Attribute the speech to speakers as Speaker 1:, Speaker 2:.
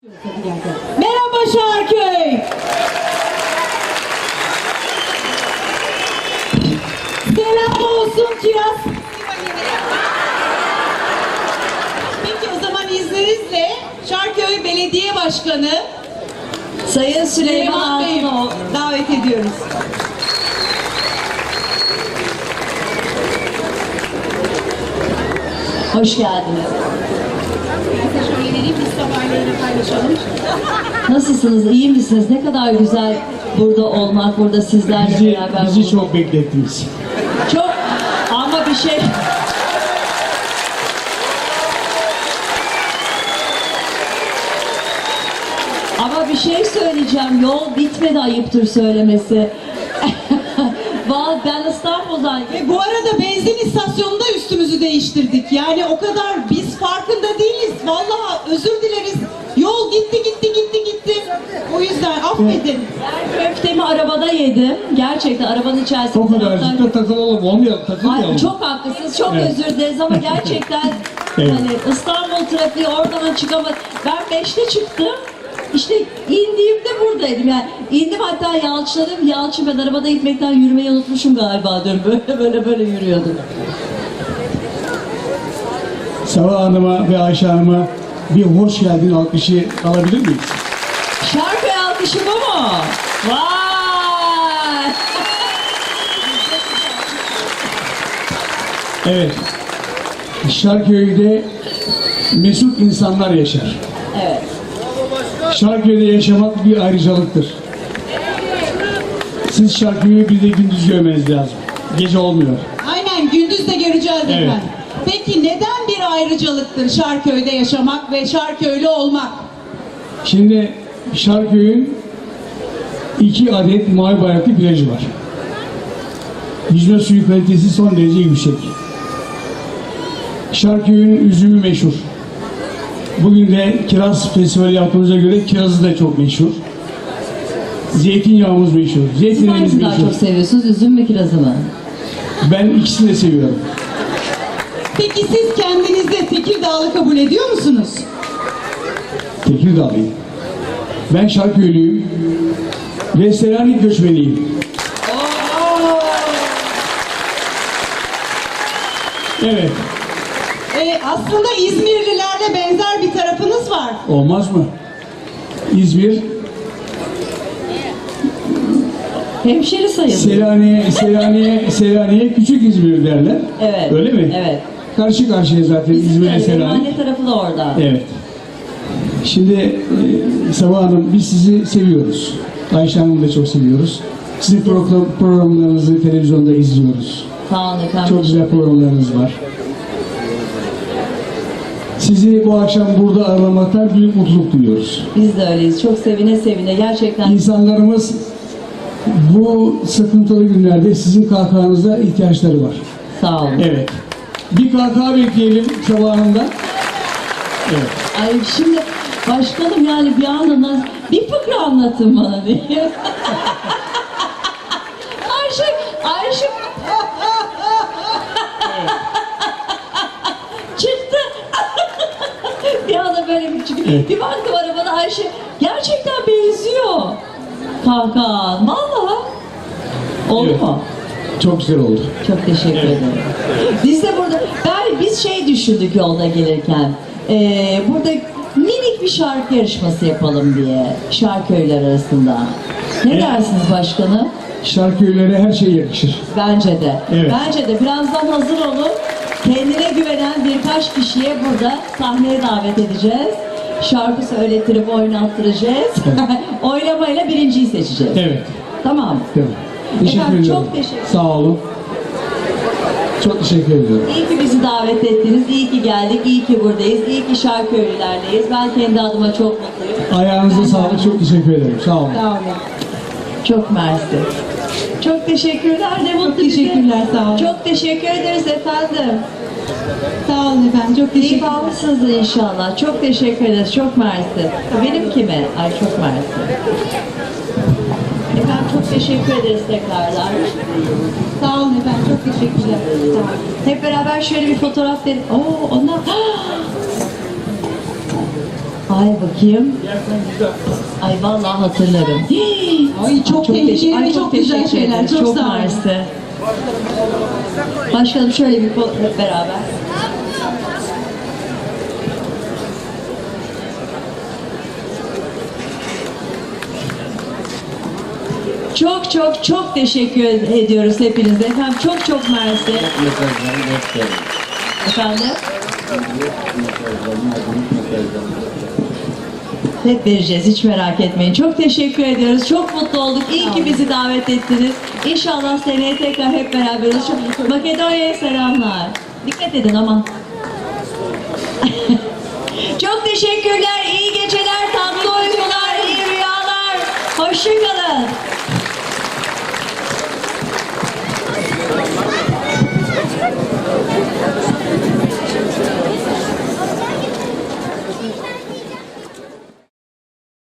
Speaker 1: Merhaba Şarköy. Selam olsun Kiraz. Peki o zaman izninizle Şarköy Belediye Başkanı
Speaker 2: Sayın Süleyman
Speaker 1: Bey'i
Speaker 2: Altınoğlu
Speaker 1: davet ediyoruz.
Speaker 2: hoş geldiniz.
Speaker 1: Şöyle biz sabahlerini paylaşalım.
Speaker 2: Nasılsınız? İyi misiniz? Ne kadar güzel burada olmak, burada sizlerle beraber
Speaker 3: Bizi
Speaker 2: bulunmak.
Speaker 3: çok beklettiniz.
Speaker 2: Çok ama bir şey ama bir şey söyleyeceğim. Yol bitmedi, ayıptır söylemesi. Ben İstanbul'dan
Speaker 1: Ve bu arada benzin istasyonunda üstümüzü değiştirdik. Yani o kadar biz farkında değiliz. Vallahi özür dileriz. Yol gitti. O yüzden affedin.
Speaker 2: köftemi arabada yedim. Gerçekten arabanın içerisinde.
Speaker 3: O kadarcık da takılalım, olmayalım, takılmayalım.
Speaker 2: Ay, çok haklısınız, çok
Speaker 3: Evet.
Speaker 2: özür dileriz ama gerçekten
Speaker 3: Evet.
Speaker 2: hani İstanbul trafiği oradan çıkamadım. Ben 5'te çıktım. İşte indiğimde buradaydım yani. İndim hatta Yalçın'ım. Yalçın ben arabada gitmekten yürümeyi unutmuşum galiba dün. Böyle yürüyordum.
Speaker 3: Sabah Hanım'a ve Ayşe Hanım'a bir hoş geldin alkışı alabilir miyiz?
Speaker 2: Şarkı alkışı bu mu? Vay!
Speaker 3: Evet. Şarköy'de mesut insanlar yaşar.
Speaker 2: Evet.
Speaker 3: Şarköy'de yaşamak bir ayrıcalıktır. Siz Şarköy'ü bir de gündüz görmeniz lazım. Gece olmuyor.
Speaker 1: Aynen gündüz de göreceğiz
Speaker 3: Evet.
Speaker 1: efendim. Peki neden bir ayrıcalıktır Şarköy'de yaşamak ve Şarköylü olmak?
Speaker 3: Şimdi Şarköy'ün 2 adet mavi bayraklı plajı var. Yüzme suyu kalitesi son derece yüksek. Şarköy'ün üzümü meşhur. Bugün de kiraz festivali yaptığımıza göre kirazı da çok meşhur. Zeytinyağımız meşhur.
Speaker 2: Siz
Speaker 3: Zeytinimiz
Speaker 2: hangisini daha
Speaker 3: meşhur.
Speaker 2: çok seviyorsunuz? Üzüm mü kirazı mı?
Speaker 3: Ben ikisini de seviyorum.
Speaker 1: Peki siz kendinizi Tekirdağlı kabul ediyor musunuz?
Speaker 3: Tekirdağlıyım. Ben Şarköylüyüm. Ve Selanik göçmeniyim. Evet.
Speaker 1: Aslında İzmirlilerle benzer bir tarafınız var.
Speaker 3: Olmaz mı? İzmir,
Speaker 2: Hemşeri sayılır.
Speaker 3: Selanik'e küçük İzmir derler.
Speaker 2: Evet.
Speaker 3: Öyle mi?
Speaker 2: Evet.
Speaker 3: Karşı karşıya zaten İzmir'e
Speaker 2: Benim
Speaker 3: Selanik.
Speaker 2: anne tarafı da orada.
Speaker 3: Evet. Şimdi Sabah Hanım biz sizi seviyoruz. Ayşe Hanım'ı da çok seviyoruz. Sizin programlarınızı televizyonda izliyoruz.
Speaker 2: Sağ olun efendim.
Speaker 3: Çok güzel programlarınız var. Sizi bu akşam burada ağırlamaktan büyük mutluluk duyuyoruz.
Speaker 2: Biz de öyleyiz. Çok sevine sevine. Gerçekten
Speaker 3: İnsanlarımız bu sıkıntılı günlerde sizin kahkahanıza ihtiyaçları var.
Speaker 2: sağ olun.
Speaker 3: Evet. Bir kahkaha bekleyelim Sabah Hanım'dan. Evet.
Speaker 2: Ay şimdi başkanım yani bir anda bir fıkra anlatın bana diye. Ayşe çıktı. Bir anda böyle bir çıktı.
Speaker 3: Evet.
Speaker 2: Bir baktım arabada Ayşe gerçekten benziyor. Kahkaha. Vallahi. Oldu
Speaker 3: Evet.
Speaker 2: mu?
Speaker 3: Çok güzel oldu.
Speaker 2: Çok teşekkür ederim. Biz de burada, biz şey düşündük yolda gelirken, burada minik bir şarkı yarışması yapalım diye, şarköyler arasında. Ne
Speaker 3: Evet.
Speaker 2: dersiniz başkanım?
Speaker 3: Şarköylere her şey yakışır.
Speaker 2: Bence de.
Speaker 3: Evet.
Speaker 2: Bence de. Birazdan hazır olun. Kendine güvenen birkaç kişiye burada sahneye davet edeceğiz. Şarkı söylettirip oynattıracağız. Oylamayla birinciyi seçeceğiz.
Speaker 3: Evet.
Speaker 2: Tamam.
Speaker 3: Değil mi? Teşekkür
Speaker 2: Efendim,
Speaker 3: ediyorum.
Speaker 2: çok teşekkür
Speaker 3: Sağ olun. Çok teşekkür ediyorum.
Speaker 2: İyi ki bizi davet ettiniz, iyi ki geldik, iyi ki buradayız, iyi ki Şarköylülerleyiz. Ben kendi adıma çok mutluyum.
Speaker 3: Ayağınıza sağlık. Çok teşekkür ederim. Sağ olun.
Speaker 1: Sağ olun.
Speaker 2: Çok mersi. Çok teşekkürler, ne mutlu bize.
Speaker 1: teşekkürler, sağ olun.
Speaker 2: Çok teşekkür ederiz efendim.
Speaker 1: Sağ olun efendim. Çok
Speaker 2: Keyif
Speaker 1: teşekkür
Speaker 2: almışsınız inşallah. Çok teşekkür ederiz, çok mersi. Benim kime? Ay çok mersi. Efendim çok teşekkür ederiz tekrardan.
Speaker 1: Sağ olun efendim. Çok teşekkürler. Sağ olun.
Speaker 2: Hep beraber şöyle bir fotoğraf verin. Oo onlar... Ay bakayım. Ay vallahi hatırlarım.
Speaker 1: Ay çok tehlikeli ve çok güzel
Speaker 2: teşekkür
Speaker 1: şeyler.
Speaker 2: ederim.
Speaker 1: Çok sağ olun.
Speaker 2: mersi. Başkanım şöyle bir hep beraber. Çok çok çok teşekkür ediyoruz hepinize. Efendim çok çok mersi. Efendim? Hep vereceğiz, hiç merak etmeyin. Çok teşekkür ediyoruz. Çok mutlu olduk. İyi ki bizi davet ettiniz. İnşallah seneye tekrar hep beraber olacağız. Makedonya'ya selamlar. Dikkat edin aman. Çok teşekkürler. İyi geceler, tatlı uykular, iyi rüyalar. Hoşça kalın.